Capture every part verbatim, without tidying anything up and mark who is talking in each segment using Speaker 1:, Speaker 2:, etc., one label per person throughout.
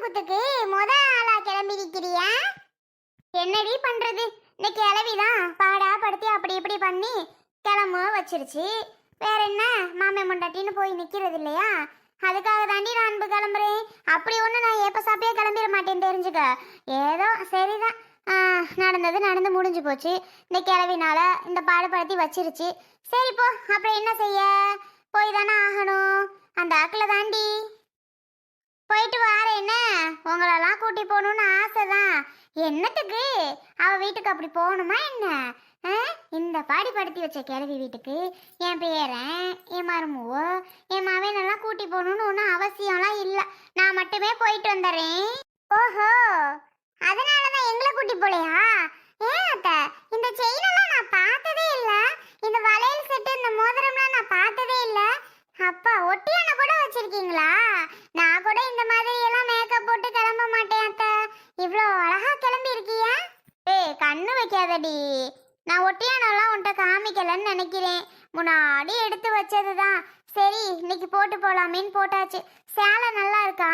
Speaker 1: குத்துக்கு முத ஆளா கிளம்பி நிக்கிறியா? என்னடி பண்றது, இந்த கிளவிதான் பாடா படுத்தி அப்படி இப்படி பண்ணி கிளம்ப வச்சிருச்சு. வேற என்ன, மாமே மண்டாட்டின்னு போய் நிக்கிறது இல்லையா? அதுக்காக தாண்டி நான் அன்பு கிளம்புறேன். அப்படி ஒண்ணு நான் எப்ப சாப்பியே கிளம்பிட மாட்டேன் தெரிஞ்சுக்க. ஏதோ சரிதான், நடந்தது நடந்து முடிஞ்சு போச்சு. இந்த கிளவினால இந்த பாடுபடுத்தி வச்சிருச்சு. சரி போ, அப்புறம் என்ன செய்ய, போய் தானே ஆகணும். அந்த ஆக்கில் தாண்டி போயிட்டு வார. என்ன உங்களெல்லாம் கூட்டி போகணும்னு ஆசைதான். என்னத்துக்கு அவ வீட்டுக்கு அப்படி போகணுமா என்ன? இந்த பாடி படுத்தி வச்ச கிழவி வீட்டுக்கு என் பேரன் என் மருமவோ என் மவனெல்லாம் கூட்டி போகணும்னு ஒன்றும் அவசியம்லாம் இல்லை. நான் மட்டுமே போயிட்டு வந்துடுறேன். ஓஹோ, அதனாலதான் எங்களை கூட்டி போலையா? ஏன் அத்த, இந்த செயினெல்லாம் நான் பார்த்ததே இல்லை. இந்த வளையல் செட்டு இந்த மோதிரம்லாம் நான் பார்த்ததே இல்லை. அப்பா ஒட்டியான கூட வச்சிருக்கீங்களா? நான் கூட இந்த மாதிரி எல்லாம் மேக்கப் போட்டு கிளம்ப மாட்டேன் அத்த. இவ்வளோ அழகா கிளம்பி இருக்கியா? ஏய் கண்ணு வைக்காதடி, நான் ஒட்டியானெல்லாம் உன்ட்ட காமிக்கலன்னு நினைக்கிறேன். முன்னாடி எடுத்து வச்சதுதான். சரி இன்னைக்கு போட்டு போலாமேன்னு போட்டாச்சு. சேலை நல்லா இருக்கா?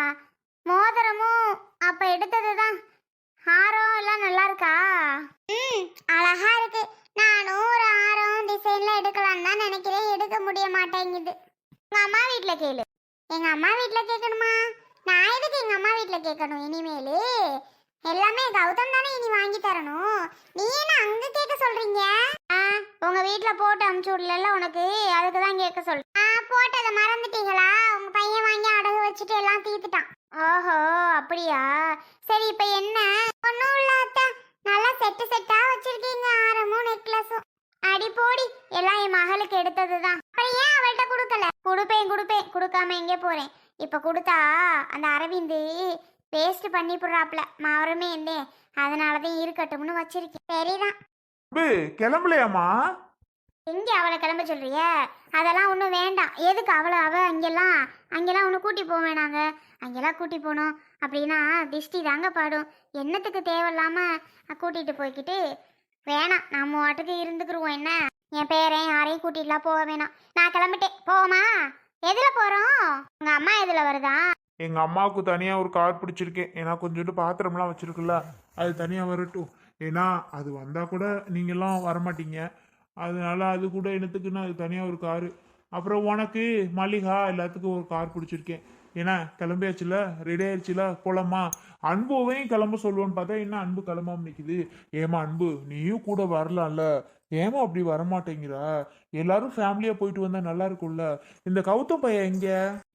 Speaker 1: மோதிரமும் அப்ப எடுத்ததுதான். ஹாரம் எல்லாம் நல்லா இருக்கா? ம் அழகா இருக்கு. நானும் ஒரு ஆரம் டிசைன்ல எடுக்கலான்னு தான் நினைக்கிறேன். எடுக்க முடிய மாட்டேங்குது. உங்க அம்மா வீட்டுல கேளு. எங்க அம்மா வீட்டுல கேட்கணுமா? நான் எதுக்கு எங்க அம்மா வீட்டுல கேட்கணும்? இனிமேலு எல்லாமே கௌதம் தானே இனி வாங்கி தரணும். நீ என்ன அங்க கேட்க சொல்றீங்க? உங்க வீட்டுல போட்டு அமுச்சு விடல உனக்கு, அதுக்குதான் கேட்க சொல்றேன். போட்டதை மறந்துட்டீங்களா? உங்க பையன் வாங்கி அடகு வச்சுட்டு எல்லாம் தீர்த்துட்டான். ஓஹோ அப்படியா? சரி இப்ப என்ன? ஒன்னும் இல்ல அத்தை, நல்லா செட்டு செட்டா வச்சிருக்கீங்க, ஆரமும் நெக்லஸும். அடி போடி, எல்லாம் என் மகளுக்கு எடுத்ததுதான். அப்புறம் ஏன் அவள்கிட்ட கொடுக்கல? கொடுப்பேன் கொடுப்பேன், கொடுக்காம எங்கே போறேன். இப்ப கொடுத்தா அந்த அரவிந்து பேஸ்ட் பண்ணி போடுறாப்ல மாவரமே என்ன, அதனாலதான் இருக்கட்டும்னு வச்சிருக்கேன். சரிதான்.
Speaker 2: கிளம்பலையாமா?
Speaker 1: எங்க அவளை கிளம்ப சொல்றிய? அதெல்லாம் ஒன்றும் வேண்டாம். எதுக்கு அவளை அவ அங்கெல்லாம் அங்கெல்லாம் ஒன்று கூட்டி போக வேணாங்க. அங்கெல்லாம் கூட்டி போனோம் அப்படின்னா திஷ்டி தாங்க பாடும். என்னத்துக்கு தேவையில்லாம கூட்டிட்டு போய்கிட்டு வேணாம். நம்ம வாட்டுக்கு இருந்துக்குருவோம். என்ன என் பேரன் யாரையும் கூட்டிட்டுலாம் போக வேணாம். நான் கிளம்பிட்டேன். போவோமா? எதுல போறோம்? உங்க அம்மா எதுல வருதா?
Speaker 2: எங்க அம்மாவுக்கு தனியா ஒரு கார் பிடிச்சிருக்கேன். ஏன்னா கொஞ்சோண்டு பாத்திரம்லாம் வச்சிருக்குல்ல, அது தனியா வரட்டும். ஏன்னா அது வந்தா கூட நீங்கெல்லாம் வரமாட்டீங்க. அதனால அது கூட என்னத்துக்குன்னா அது தனியா ஒரு காரு. அப்புறம் உனக்கு மல்லிகா எல்லாத்துக்கும் ஒரு கார் பிடிச்சிருக்கேன். ஏன்னா கிளம்பியாச்சுல, ரெடி ஆயிடுச்சுல, போலாமா? அன்புவையும் கிளம்ப சொல்லுவோன்னு பார்த்தா என்ன அன்பு கிளம்பாம நிற்குது. ஏமா அன்பு, நீயும் கூட வரலாம்ல, ஏமா அப்படி வரமாட்டேங்கிறா? எல்லாரும் ஃபேமிலியா போயிட்டு வந்தா நல்லா இருக்கும்ல. இந்த கௌதம் பையன் எங்க?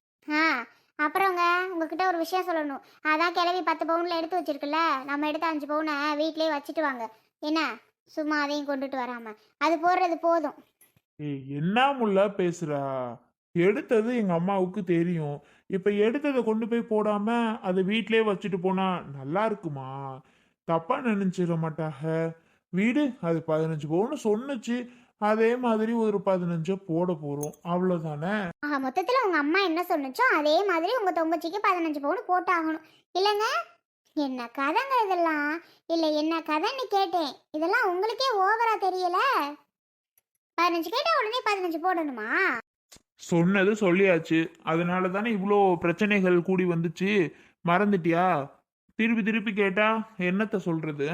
Speaker 1: அப்புறங்க உங்ககிட்ட ஒரு விஷயம் சொல்லணும். அதான் கிளவி பத்து பவுன்ல எடுத்து வச்சிருக்குல்ல, நம்ம எடுத்து அஞ்சு பவுனை வீட்லயே வச்சுட்டு வாங்க. என்ன சும்மா அதையும் கொண்டுட்டு வராம அது போடுறது போதும்.
Speaker 2: ஏய் என்ன முல்ல பேசுறா? எடுத்தது எங்க அம்மாவுக்கு தெரியும். இப்ப எடுத்ததை கொண்டு போய் போடாம அதை வீட்லயே வச்சுட்டு போனா நல்லா இருக்குமா? தப்பா நினைச்சிட மாட்டாக. வீடு அது பதினஞ்சு பவுன்னு சொன்னுச்சு, அதே மாதிரி ஒரு பதினஞ்சு போட போறோம், அவ்வளவுதானே.
Speaker 1: ஆஹா, மொத்தத்துல உங்க அம்மா என்ன சொன்னுச்சோ அதே மாதிரி உங்க தொங்கச்சிக்கு பதினஞ்சு பவுன் போட்டாகணும் இல்லைங்க? என்ன கதைங்க இதெல்லாம்? இல்ல என்ன கதைன்னு கேட்டேன். இதெல்லாம் உங்களுக்கே ஓவரா தெரியல? பதினஞ்சு கேட்டா உடனே பதினஞ்சு போடணுமா?
Speaker 2: சொன்னது சொல்லியாச்சு, அதனால தானே இவ்வளோ பிரச்சனைகள் கூடி வந்துச்சு. மறந்துட்டியா? திருப்பி திருப்பி கேட்டா என்னத்த சொல்றது?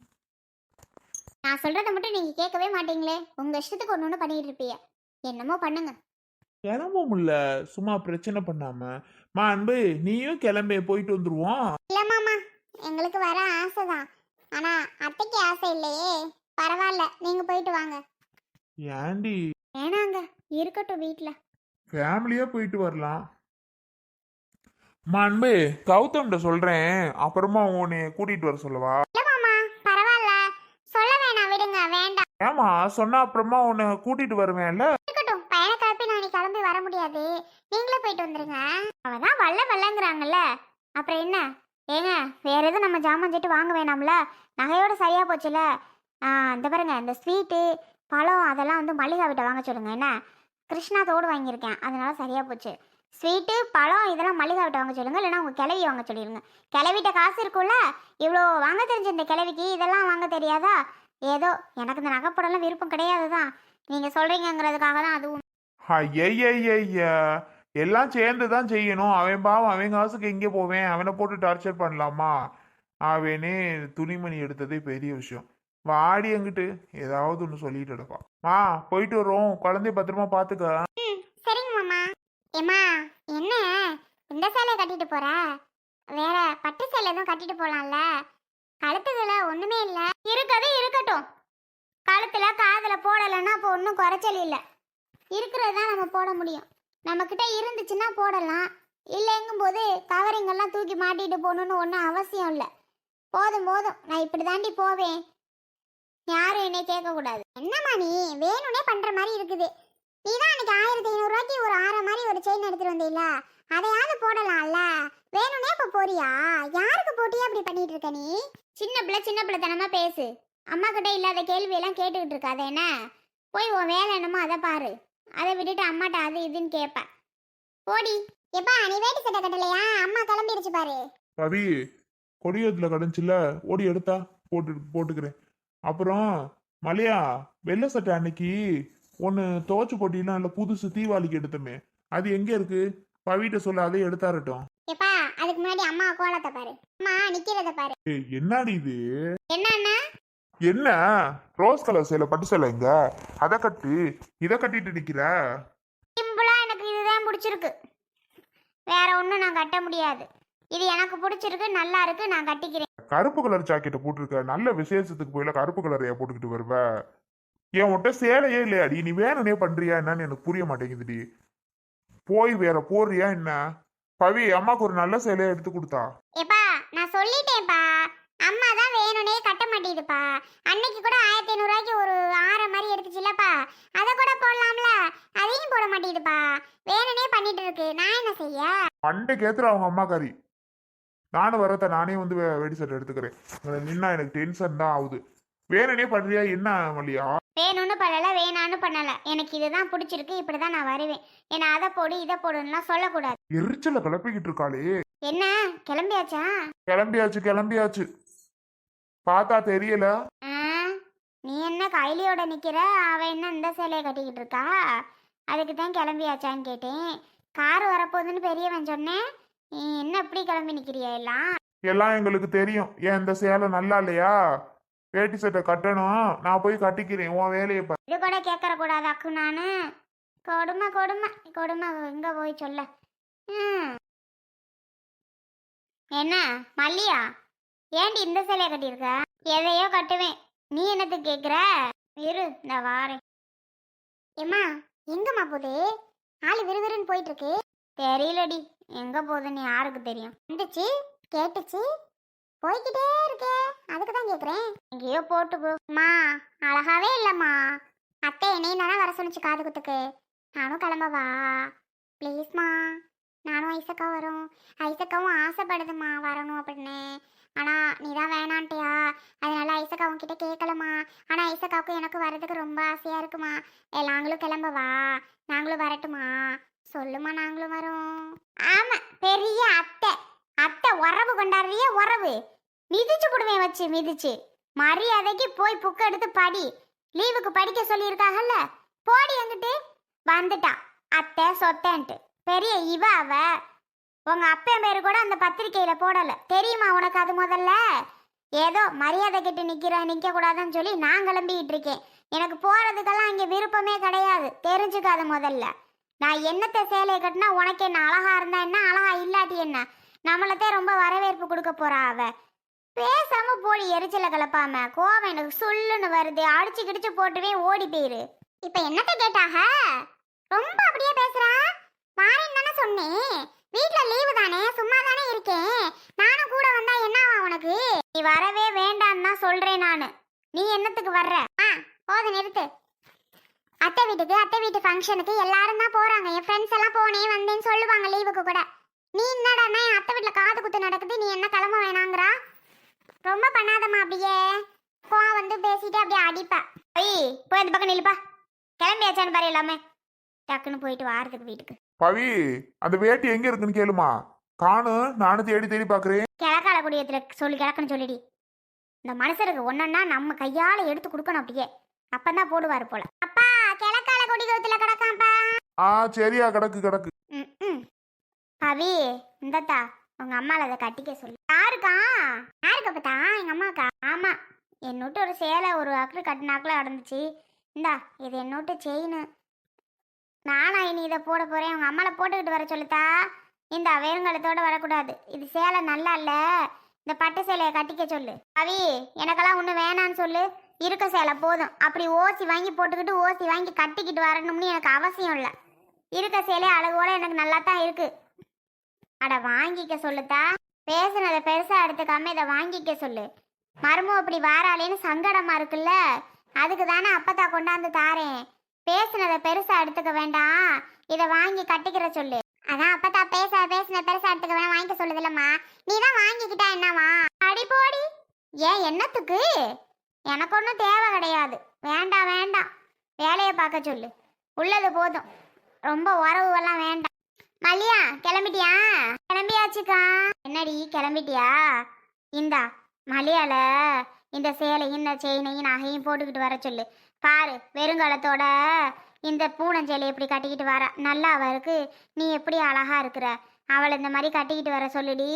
Speaker 1: நான் சொல்றதை மட்டும் நீங்க கேட்கவே மாட்டீங்களே. உங்க இஷ்டத்துக்கு ஒண்ணு ஒண்ணு பண்ணிட்டு இருப்பீங்க. என்னமோ பண்ணுங்க.
Speaker 2: கிளம்ப முடியல, சும்மா பிரச்சனை பண்ணாம. மா அன்பு, நீயும் கிளம்ப, போயிட்டு வந்துருவோம்.
Speaker 1: இல்ல மாமா, எங்களுக்கு வர ஆசைதான். ஆனா அத்தைக்கு ஆசை இல்லையே. பரவாயில்ல, நீங்க போயிட்டு வாங்க.
Speaker 2: ஏண்டி?
Speaker 1: வேணாங்க, இருக்கட்டும் வீட்டுல.
Speaker 2: ஃபேமிலியா போயிட்டு வரலாம். மா அன்பு, கௌதம்கிட்ட சொல்றேன், அப்புறமா உன்னை கூட்டிட்டு வர சொல்லவா?
Speaker 1: இல்ல மாமா, பரவாயில்ல, சொல்ல வேணாம், விடுங்க. வேண்டாம்.
Speaker 2: ஏமா சொன்னா அப்புறமா உன்னை கூட்டிட்டு வருவேன்ல.
Speaker 1: இருக்கட்டும், பையனை கிளப்பி நான் கிளம்பி வர முடியாது. நீங்களே போயிட்டு வந்துருங்க. அவதான் வல்ல வல்லங்கிறாங்கல்ல, அப்புறம் என்ன? ஏங்க வேற எதுவும் நம்ம ஜாமான் செட்டு வாங்க வேணாம்ல? நகையோட சரியா போச்சுல. இந்த பாருங்க, இந்த ஸ்வீட்டு பழம் அதெல்லாம் வந்து மல்லிகா விட்ட வாங்க சொல்லுங்க. என்ன கிருஷ்ணா தோடு வாங்கியிருக்கேன், அதனால சரியா போச்சு. ஸ்வீட்டு பழம் இதெல்லாம் மல்லிகா விட்ட வாங்க சொல்லுங்க, இல்லைன்னா உங்க கிளவி வாங்க சொல்லிடுங்க. கிளவிட்ட காசு இருக்கும்ல, இவ்வளோ வாங்க தெரிஞ்ச இந்த கிளவிக்கு இதெல்லாம் வாங்க தெரியாதா? ஏதோ எனக்கு இந்த நகைப்படம்லாம் விருப்பம் கிடையாது தான், நீங்க சொல்றீங்கிறதுக்காக தான். அதுவும்
Speaker 2: ஐயா எல்லாம் சேர்ந்து தான் செய்யணும். அவன் பாவம் அவன் காசுக்கு எங்கே போவேன்? அவனை போட்டு டார்ச்சர் பண்ணலாமா? அவனே துணிமணி எடுத்ததே பெரிய விஷயம். வாடி எங்கிட்டு ஏதாவது ஒன்று சொல்லிட்டு எடுப்பான். மா போயிட்டு வரோம், குழந்தைய பத்திரமா பார்த்துக்க.
Speaker 1: ம் சரிங்க மாமா. ஏம்மா என்ன இந்த சேலையை கட்டிட்டு போற? வேற பட்டு சேலை எதுவும் கட்டிட்டு போலாம்ல? கழுத்துக்குள்ள ஒண்ணுமே இல்ல. இருக்கவே இருக்கட்டும். கழுத்துல காதுல போடலைன்னா அப்போ ஒன்றும் குறைச்சல் இல்லை. இருக்கிறது தான் நம்ம போட முடியும். நம்மக்கிட்ட இருந்துச்சுன்னா போடலாம். இல்லைங்கும் போது கவரிங் எல்லாம் தூக்கி மாட்டிட்டு போகணுன்னு ஒன்றும் அவசியம் இல்லை. போதும் போதும், நான் இப்படி தாண்டி போவேன். யாரும் என்னை கேட்கக்கூடாது. என்னம்மா நீ வேணும்னே பண்ற மாதிரி இருக்குது. நீ தான் அன்னைக்கு ஆயிரத்தி ஐநூறு ரூபாய்க்கு ஒரு ஆற மாதிரி ஒரு செயின் எடுத்துட்டு வந்தீல்ல, அதையாவது போடலாம்ல. வேணும்னே இப்ப போறியா? யாருக்கு போட்டியா அப்படி பண்ணிட்டு இருக்க நீ? சின்ன பிள்ளை சின்ன பிள்ளை தனமா பேசு. அம்மா கிட்ட இல்லாத கேள்வி எல்லாம் கேட்டுக்கிட்டு இருக்காத என்ன? போய் உன் வேலை என்னமோ அதை பாரு. அதை விட்டுட்டு அம்மாட்ட அது இதுன்னு கேட்ப. போடி. எப்பா நீ வேட்டி சட்டை கட்டலையா? அம்மா கிளம்பிடுச்சு பாரு.
Speaker 2: ரவி கொடியத்துல கடைஞ்சில ஓடி எடுத்தா போட்டு போட்டுக்கிறேன். அப்புறம் மலையா வெள்ளை சட்டை அன்னைக்கு ஒன்று துவச்சு போட்டினா இல்லை புதுசு தீபாவளிக்கு எடுத்தோமே, அது எங்க இருக்கு? பவிட்ட சொல்ல அதை எடுத்தாரட்டும்.
Speaker 1: எப்பா அதுக்கு முன்னாடி அம்மா கோலத்தை பாரு. அம்மா நிக்கிறத பாரு.
Speaker 2: ஏய் என்னடி இது?
Speaker 1: என்னன்னா
Speaker 2: என்ன ரோஸ் கலர் சேலை பட்டு சேலை எங்க? அதை கட்டு, இதை கட்டிட்டு நிக்கிற.
Speaker 1: சிம்பிளா எனக்கு இதுதான் பிடிச்சிருக்கு. வேற ஒன்றும் நான் கட்ட முடியாது. இது எனக்கு பிடிச்சிருக்கு, நல்லா இருக்கு, நான் கட்டிக்கிறேன்.
Speaker 2: கருப்பு கலர் ஜாக்கெட்டை போட்டிருக்க, நல்ல விசேஷத்துக்கு போயில கருப்பு கலரையா போட்டுக்கிட்டு வருவ? என் உன்ட்ட சேலையே இல்லையாடி? நீ வேணுனே பண்றியா என்னன்னு எனக்கு புரிய மாட்டேங்குதுடி. போய் வேற போறியா என்ன? பவி அம்மாக்கு ஒரு நல்ல சேலையை எடுத்து கொடுத்தா.
Speaker 1: ஏப்பா நான் சொல்லிட்டேன்ப்பா, அம்மா தான் வேணுனே கட்ட மாட்டேங்குதுப்பா. அன்னைக்கு கூட ஆயிரத்தி ஐநூறு ரூபாய்க்கு ஒரு ஆற மாதிரி எடுத்துச்சுல்லப்பா, அதை கூட போடலாம்ல, அதையும் போட மாட்டேங்குதுப்பா. வேணுனே பண்ணிட்டு இருக்கு, நான் என்ன செய்ய?
Speaker 2: மண்டை கேத்துற அவங்க அம்மாக்காரி. நானும் வரத்த நானே வந்து வே- வெடி சட்டை எடுத்துக்கிறேன். இங்க நின்னா எனக்கு டென்ஷன் தான் ஆகுது. வேணுனே பண்றியா என்ன மல்லியா?
Speaker 1: வேணும்னு பண்ணல, வேணான்னு பண்ணல, எனக்கு இதுதான் பிடிச்சிருக்கு, இப்படிதான் நான் வருவேன். ஏன்னா அதை போடு இதை போடுன்னுலாம் சொல்லக்கூடாது.
Speaker 2: எரிச்சல கிளப்பிக்கிட்டு இருக்காளே.
Speaker 1: என்ன கிளம்பியாச்சா?
Speaker 2: கிளம்பியாச்சு கிளம்பியாச்சு. பார்த்தா தெரியல.
Speaker 1: ஆ, நீ என்ன கைலியோட நிக்கிற? அவ என்ன இந்த சேலையை கட்டிக்கிட்டு இருக்கா? அதுக்கு தான் கிளம்பியாச்சான்னு கேட்டேன். கார் வரப்போகுதுன்னு பெரியவன் சொன்னேன். நீ என்ன இப்படி கிளம்பி நிக்கிறியா எல்லாம்?
Speaker 2: எல்லாம் எங்களுக்கு தெரியும். ஏன் இந்த சேலை நல்லா இல்லையா? வேட்டி சட்டை கட்டணும், நான் போய் கட்டிக்கிறேன். உன் வேலையை பாரு.
Speaker 1: இது கூட கேட்கற கூடாது அக்கு. நானு கொடுமை கொடுமை கொடுமை எங்க போய் சொல்ல? ம். என்ன மல்லியா, ஏண்டி இந்த சேலையை கட்டியிருக்க? எதையோ கட்டுவேன், நீ என்னத்துக்கு கேட்குற? இரு இந்த வாரேன். ஏம்மா எங்கம்மா போகுது? ஆளு விறுவிறுன்னு போயிட்டு இருக்கு. தெரியலடி எங்க போகுதுன்னு யாருக்கு தெரியும்? வந்துச்சு கேட்டுச்சு போய்கிட்டே இருக்கே, அதுக்கு தான் கேட்குறேன். எங்கேயோ போட்டு போமா. அழகாவே இல்லைம்மா. அத்தை என்னையும் தானே வர சொன்னிச்சு காது குத்துக்கு. நானும் கிளம்பவா ப்ளீஸ்மா? நானும் ஐசக்கா வரும். ஐசக்காவும் ஆசைப்படுதுமா வரணும் அப்படின்னு. ஆனால் நீ தான் வேணான்ட்டியா, அதனால ஐசக்கா உன்கிட்ட கேட்கலம்மா. ஆனால் ஐசக்காவுக்கும் எனக்கு வரதுக்கு ரொம்ப ஆசையாக இருக்குமா. ஏ நாங்களும் கிளம்பவா? நாங்களும் வரட்டுமா? சொல்லுமா நாங்களும் வரோம். ஆமாம் பெரிய அத்தை. அத்தை உறவு கொண்டாடுறிய உறவு. மிதிச்சு போடுவேன் வச்சு மிதிச்சு. மரியாதைக்கு போய் புக் எடுத்து படி. லீவுக்கு படிக்க சொல்லியிருக்காங்கல்ல, போடி எங்கிட்டு. வந்துட்டான் அத்தை சொத்தன்ட்டு. பெரிய இவ அவ. உங்க அப்பா பேரு கூட அந்த பத்திரிக்கையில போடல தெரியுமா உனக்கு? அது முதல்ல ஏதோ மரியாதை கிட்ட நிக்கிற நிக்க கூடாதுன்னு சொல்லி நான் கிளம்பிக்கிட்டு இருக்கேன். எனக்கு போறதுக்கெல்லாம் இங்க விருப்பமே கிடையாது, தெரிஞ்சுக்காத முதல்ல. நான் என்னத்தை சேலையை கட்டினா உனக்கு என்ன? அழகா இருந்தா என்ன, அழகா இல்லாட்டி என்ன? நம்மளத்தே ரொம்ப வரவேற்பு கொடுக்க போறா அவ. பேசாம போடி, எரிச்சல கலப்பாம. கோவம் எனக்கு சொல்லுன்னு வருது, அடிச்சு கிடிச்சு போட்டுவே ஓடி போயிரு. இப்ப என்னத்த கேட்டாக? ரொம்ப அப்படியே பேசுறா. வாரேன்னு தானே சொன்னேன். வீட்ல லீவு தானே, சும்மா தானே இருக்கேன். நானும் கூட வந்தா என்னவா உனக்கு? நீ வரவே வேண்டான்னு தான் சொல்றேன் நானு. நீ என்னத்துக்கு வர்ற? ஆ போது நிறுத்து. அத்தை வீட்டுக்கு அத்தை வீட்டு ஃபங்க்ஷனுக்கு எல்லாரும் தான் போறாங்க. என் ஃப்ரெண்ட்ஸ் எல்லாம் போனேன் வந்தேன்னு சொல்லுவாங்க லீவுக்கு கூட. நீ என்னடாண்ணா என் அத்தை வீட்டுல காது குத்து நடக்குது, நீ என்ன கிளம்ப வேணாங்கிறா? ரொம்ப பண்ணாதம்மா அப்படியே. போ வந்து பேசிட்டு அப்படியே அடிப்ப. ஐய் போய் அந்த பக்கம் நில்லுப்பா. கிளம்பியாச்சான்னு பாரு எல்லாமே. டக்குன்னு போயிட்டு வாரத்துக்கு வீட்டுக்கு.
Speaker 2: பவி அந்த வேட்டி எங்க இருக்குன்னு கேளுமா. காணும், நானும் தேடி தேடி பாக்குறேன்.
Speaker 1: கிழக்கால குடியத்துல சொல்லி கிழக்குன்னு சொல்லிடி. இந்த மனுஷருக்கு ஒன்னொன்னா நம்ம கையால எடுத்து கொடுக்கணும் அப்படியே. அப்பதான் போடுவாரு போல. அப்பா கிழக்கால குடியத்துல கிடக்காப்பா.
Speaker 2: ஆ சரியா கிடக்கு கிடக்கு.
Speaker 1: ம் ம் அவி இந்தத்தா உங்க அம்மால அதை கட்டிக்க சொல்லு. யாருக்கா? யாருக்கு அப்பத்தா? எங்க அம்மாக்கா? ஆமா, என்னோட்டு ஒரு சேலை ஒரு அக்கறை கட்டினாக்குல நடந்துச்சு. இந்தா இது என்னோட்டு செயின். நானா இனி இதை போட போறேன். உங்க அம்மால போட்டுக்கிட்டு வர சொல்லுத்தா. இந்த வேறுங்கலத்தோட வரக்கூடாது. இது சேலை நல்லா இல்ல, இந்த பட்டு சேலையை கட்டிக்க சொல்லு. அவி எனக்கெல்லாம் ஒண்ணு வேணான்னு சொல்லு. இருக்க சேலை போதும். அப்படி ஓசி வாங்கி போட்டுக்கிட்டு ஓசி வாங்கி கட்டிக்கிட்டு வரணும்னு எனக்கு அவசியம் இல்லை. இருக்க சேலை அழகோட எனக்கு நல்லா தான் இருக்கு. அட வாங்கிக்க சொல்லுத்தா. பேசுனதை பெருசா எடுத்துக்காம இதை வாங்கிக்க சொல்லு. மருமம் அப்படி வாராளேன்னு சங்கடமா இருக்குல்ல, அதுக்கு தானே அப்பத்தா கொண்டாந்து தாரேன். பேசுனதை பெருசா எடுத்துக்க வேண்டாம், இதை வாங்கி கட்டிக்கிற சொல்லு. அதான் அப்பத்தா பேச பேசுன பெருசா எடுத்துக்க வேணாம் வாங்கிக்க சொல்லுதில்லம்மா. நீ தான் வாங்கிக்கிட்டா என்னவா? அடி போடி. ஏன் என்னத்துக்கு? எனக்கு ஒன்றும் தேவை கிடையாது. வேண்டாம் வேண்டாம், வேலையை பார்க்க சொல்லு. உள்ளது போதும், ரொம்ப உறவுவெல்லாம் வேண்டாம். மல்லியா கிளம்பிட்டியா? கிளம்பியாச்சுக்கா. என்னடி கிளம்பிட்டியா? இந்தா மலையால இந்த சேலையும் இந்த செயினையும் நகையும் போட்டுக்கிட்டு வர சொல்லு. பாரு வெறுங்காலத்தோட இந்த பூனஞ்சேலை எப்படி கட்டிக்கிட்டு வர நல்லா அவ இருக்கு. நீ எப்படி அழகா இருக்கிற. அவளை இந்த மாதிரி கட்டிக்கிட்டு வர சொல்லுடி.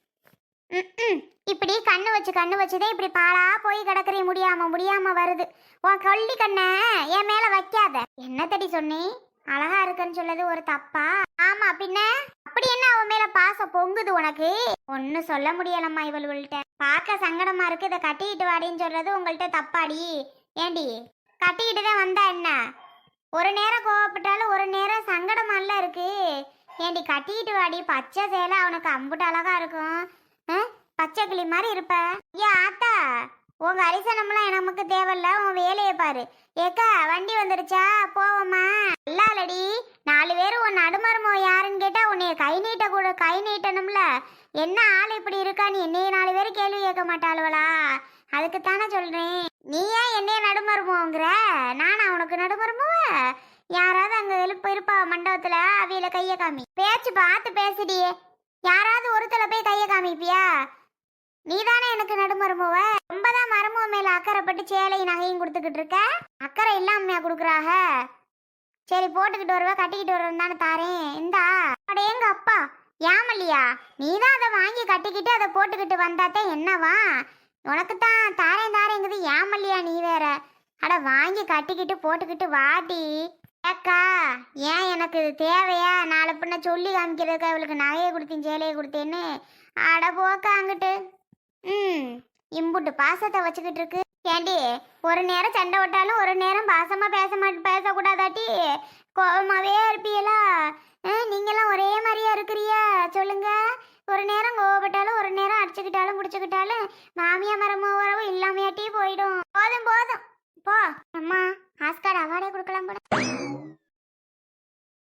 Speaker 1: ம் இப்படி கண்ணு வச்சு கண்ணு வச்சுதான் இப்படி பாலா போய் கிடக்குறீ. முடியாம முடியாம வருது. உன் கொல்லி கண்ணை என் மேல வைக்காத. என்ன தடி சொன்னி? அழகா இருக்குன்னு சொல்லது ஒரு தப்பா? ஆமா பின்ன அப்படி என்ன அவன் மேல பாசம் பொங்குது உனக்கு? ஒன்னும் சொல்ல முடியலம்மா இவள்கிட்ட. பார்க்க சங்கடமா இருக்கு. இதை கட்டிக்கிட்டு வாடின்னு சொல்றது உங்கள்கிட்ட தப்பாடி. ஏண்டி கட்டிக்கிட்டு தான் வந்தா என்ன? ஒரு நேரம் கோவப்பட்டாலும் ஒரு நேரம் சங்கடமால இருக்கு. ஏண்டி கட்டிக்கிட்டு வாடி. பச்சை சேலை அவனுக்கு அம்புட்டு அழகா இருக்கும். பச்சை கிளி மாதிரி இருப்ப. ஏ ஆத்தா உங்க அரிசனம்லாம் நமக்கு தேவையில்ல. உன் வேலையை பாரு. ஏக்கா வண்டி வந்துருச்சா போவோமா? இல்லாலடி நாலு பேரும் உன் நடுமருமோ யாருன்னு கேட்டா உன்னைய கை நீட்ட கூட கை நீட்டணும்ல. என்ன ஆள் இப்படி இருக்கா? நீ என்னைய நாலு பேரும் கேள்வி கேட்க மாட்டாளுவலா? அதுக்குத்தானே சொல்றேன். நீ ஏன் என்னைய நடுமருமோங்கிற? நானா உனக்கு நடுமருமோவ? யாராவது அங்க எழுப்பு இருப்பா மண்டபத்துல, அவியில கைய காமி. பேச்சு பார்த்து பேசுடியே. யாராவது ஒருத்தல போய் கைய காமிப்பியா? நீதானே எனக்கு நடுமருமோவ. ரொம்பதான் மருமோ மேல அக்கறைப்பட்டு சேலையும் நகையும் கொடுத்துக்கிட்டு இருக்க. அக்கறை இல்லாமையா கொடுக்குறாக. சரி போட்டுக்கிட்டு வருவ கட்டிக்கிட்டு வருவேன் தானே தாரேன். இந்தா அடேங்க அப்பா. ஏமல்லையா நீதான் அதை வாங்கி கட்டிக்கிட்டு அதை போட்டுக்கிட்டு வந்தாத்தே என்னவா? உனக்கு தான் தாரேன் தாரேங்குது. ஏமல்லையா நீ வேற. அட வாங்கி கட்டிக்கிட்டு போட்டுக்கிட்டு வாடி. ஏக்கா ஏன் எனக்கு இது தேவையா? நாளை பின்ன சொல்லி காமிக்கிறதுக்கு அவளுக்கு நகையை கொடுத்தேன் சேலையை கொடுத்தேன்னு. அட போக்கா அங்கிட்டு. ம் இம்புட்டு பாசத்தை வச்சுக்கிட்டு இருக்கு. ஏண்டி ஒரு நேரம் சண்டை விட்டாலும் ஒரு நேரம் பாசமா பேச மாட்டேன் பேசக்கூடாதாட்டி? கோபமாவே இருப்பீங்களா? நீங்களாம் ஒரே மாதிரியா இருக்கிறியா சொல்லுங்க? ஒரு நேரம் கோவப்பட்டாலும் ஒரு நேரம் அடிச்சுக்கிட்டாலும் பிடிச்சிக்கிட்டாலும் மாமியா மரமோ உறவு